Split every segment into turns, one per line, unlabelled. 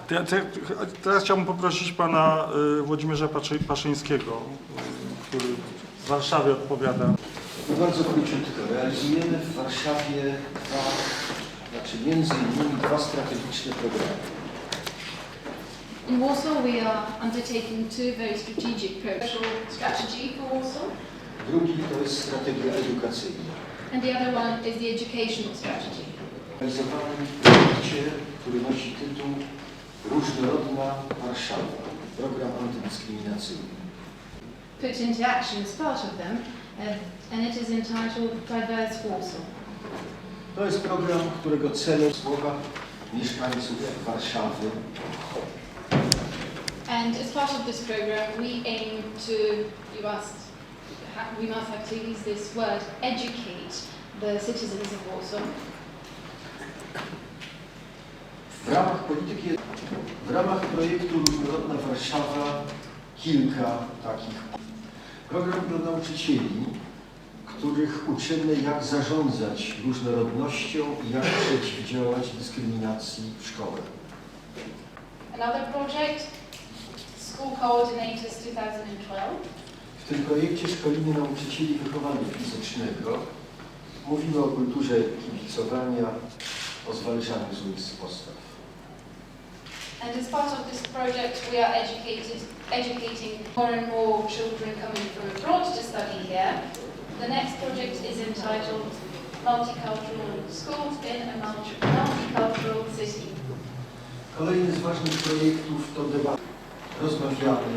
Teraz chciałbym poprosić pana Włodzimierza Paszyńskiego, który w Warszawie odpowiada.
Bardzo króciutko. Realizujemy w Warszawie między innymi dwa strategiczne programy.
In Warsaw we are undertaking two very strategic programs. Strategy for Warsaw.
Drugi to jest strategia edukacyjna.
And the other one is the educational strategy.
Realizowany w projekcie, który nosi tytuł Różnorodna Warszawa. Program antydyskryminacyjny.
Put into action as part of them, and it is entitled Diverse Warsaw.
To jest program, którego celem słowa mieszkańców Warszawy.
And as part of this program, we aim to, we must have to use this word, educate the citizens of Warsaw.
W ramach projektu Różnorodna Warszawa kilka takich. Program dla nauczycieli, których uczymy, jak zarządzać różnorodnością i jak przeciwdziałać dyskryminacji w szkole.
Another project, School Coordinators 2012.
W tym projekcie szkolimy nauczycieli wychowania fizycznego. Mówimy o kulturze kibicowania, o zwalczaniu złych postaw.
And as part of this project, we are educating more and more children coming from abroad to study here. The next project is entitled Multicultural Schools in a Multicultural City.
Kolejny z ważnych projektów to debata. Rozmawiamy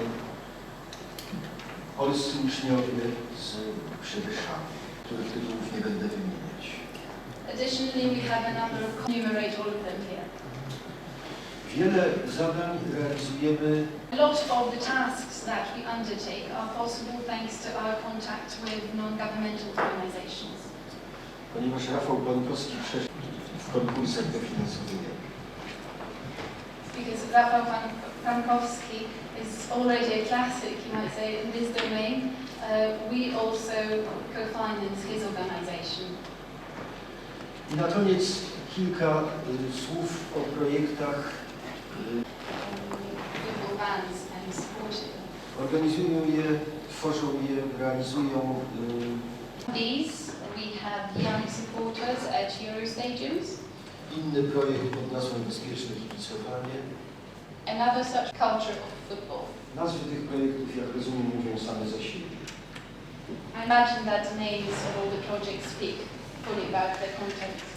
polscy uczniowie z przybyszami, których tytułów nie będę wymieniać.
Additionally, we have a number of enumerate all of them here.
Wiele zadań realizujemy.
A lot of the tasks that we undertake are possible thanks to our contact with non-governmental organizations.
Ponieważ Rafał Bankowski przeszedł w konkursach dofinansowywania.
Because Rafał Bankowski is already a classic, you might say, in this domain, we also co-finance his organization.
I na koniec kilka słów o projektach. Organizują je, tworzą je, realizują.
These we have young supporters at Eurostadiums.
Inny projekt pod nazwą Bezpieczne kibicowanie.
Another such culture of football.
Nazwy tych projektów, jak rozumiem, mówią same za siebie.
I imagine that the names of all the projects speak fully about their contents.